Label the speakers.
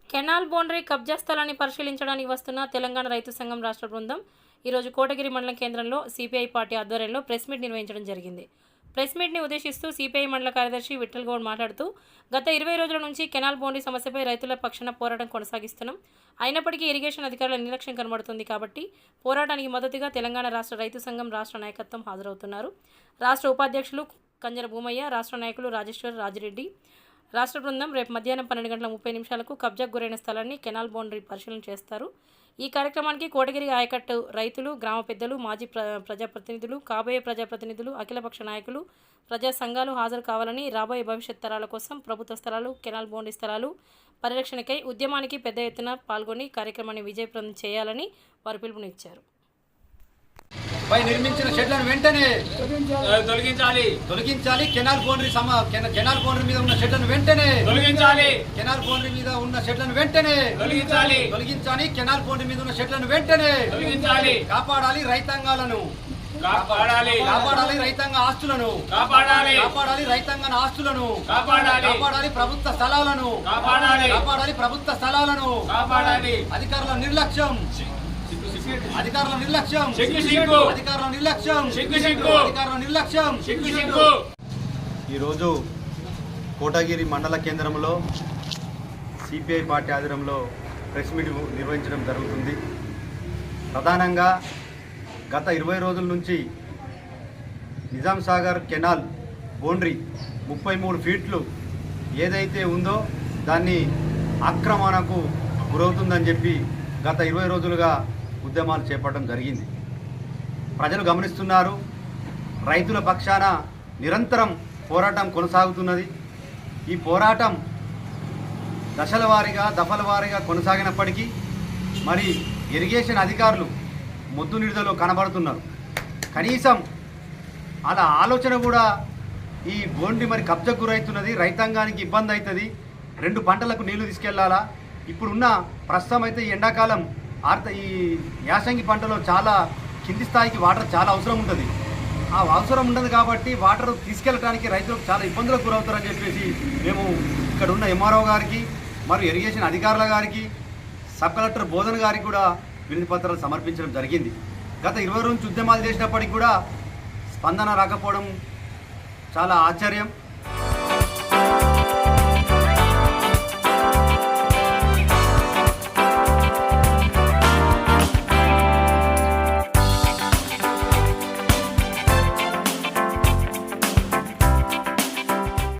Speaker 1: Canal boundary కబ్జా స్థలాన్ని పరిశీలించడానికి వస్తున్న తెలంగాణ రైతు సంఘం రాష్ట్ర బృందం ఈరోజు కోటగిరి మండలం కేంద్రంలో సిపిఐ పార్టీ ఆధ్వర్యంలో ప్రెస్ మీట్ నిర్వహించడం జరిగింది. ప్రెస్ మీట్ని ఉద్దేశిస్తూ సిపిఐ మండల కార్యదర్శి విఠల్ గౌడ్ మాట్లాడుతూ గత 20 రోజుల నుంచి కెనాల్ బౌండరీ సమస్యపై రైతుల పక్షాన పోరాటం కొనసాగిస్తున్నాం. అయినప్పటికీ ఇరిగేషన్ అధికారుల నిర్లక్ష్యం కనబడుతుంది కాబట్టి పోరాటానికి మద్దతుగా తెలంగాణ రాష్ట్ర రైతు సంఘం రాష్ట్ర నాయకత్వం హాజరవుతున్నారు. రాష్ట్ర ఉపాధ్యక్షులు కంజర భూమయ్య, రాష్ట్ర నాయకులు రాజేశ్వర్, రాజిరెడ్డి, రాష్ట్ర బృందం రేపు మధ్యాహ్నం 12:30 కబ్జాకు గురైన స్థలాన్ని కెనాల్ బౌండరీ పరిశీలన చేస్తారు. ఈ కార్యక్రమానికి కోటగిరి ఆయకట్టు రైతులు, గ్రామ పెద్దలు, మాజీ ప్రజాప్రతినిధులు, కాబోయే ప్రజాప్రతినిధులు, అఖిలపక్ష నాయకులు, ప్రజా సంఘాలు హాజరు కావాలని, రాబోయే భవిష్యత్ తరాల కోసం ప్రభుత్వ స్థలాలు, కెనాల్ బౌండరీ స్థలాలు పరిరక్షణకై ఉద్యమానికి పెద్ద ఎత్తున పాల్గొని కార్యక్రమాన్ని విజయప్రదం చేయాలని వారు పిలుపునిచ్చారు.
Speaker 2: పై నిర్మించిన షెడ్లను వెంటనే తొలగించాలి. కెనాల్ బౌండరీ మీద ఉన్న షెడ్లను వెంటనే తొలగించాలి. కెనాల్ బౌండరీ మీద ఉన్న షెడ్లను వెంటనే తొలగించాలి. కెనాల్ బౌండరీ మీద ఉన్న షెడ్లను వెంటనే తొలగించాలి. కాపాడాలి రైతాంగాలను, కాపాడాలి రైతాంగ ఆస్తులను, కాపాడాలి రైతాంగ ఆస్తులను, కాపాడాలి ప్రభుత్వ స్థలాలను, కాపాడాలి ప్రభుత్వ స్థలాలను. అధికారుల నిర్లక్ష్యం, అధికారుల నిర్లక్ష్యం. ఈరోజు కోటగిరి మండల కేంద్రంలో సిపిఐ పార్టీ ఆధ్వర్యంలో ప్రెస్ మీట్ నిర్వహించడం జరుగుతుంది. ప్రధానంగా గత 20 రోజుల నుంచి నిజాం సాగర్ కెనాల్ బౌండరీ 33 ఫీట్లు ఏదైతే ఉందో దాన్ని ఆక్రమణకు గురవుతుందని చెప్పి గత 20 రోజులుగా ఉద్యమాలు చేపట్టడం జరిగింది. ప్రజలు గమనిస్తున్నారు. రైతుల పక్షాన నిరంతరం పోరాటం కొనసాగుతున్నది. ఈ పోరాటం దశల వారీగా కొనసాగినప్పటికీ మరి ఇరిగేషన్ అధికారులు మొద్దు నిడుదలో కనబడుతున్నారు. కనీసం అలా ఆలోచన కూడా ఈ బోండి మరి కబ్జకు గురవుతున్నది, రైతాంగానికి ఇబ్బంది అవుతుంది, 2 పంటలకు నీళ్లు తీసుకెళ్లాలా. ఇప్పుడున్న ప్రస్తుతం అయితే ఈ ఎండాకాలం ఈ యాసంగి పంటలో చాలా కింది స్థాయికి వాటర్ చాలా అవసరం ఉంటుంది. ఆ అవసరం ఉండదు కాబట్టి వాటర్ తీసుకెళ్ళడానికి రైతులకు చాలా ఇబ్బందులకు గురవుతారని చెప్పేసి మేము ఇక్కడ ఉన్న ఎంఆర్ఓ గారికి మరియు ఇరిగేషన్ అధికారుల గారికి, సబ్ కలెక్టర్ బోధన్ గారికి కూడా వినతి పత్రాలు సమర్పించడం జరిగింది. గత 20 రోజుల నుంచి ఉద్యమాలు చేసినప్పటికీ కూడా స్పందన రాకపోవడం చాలా ఆశ్చర్యం.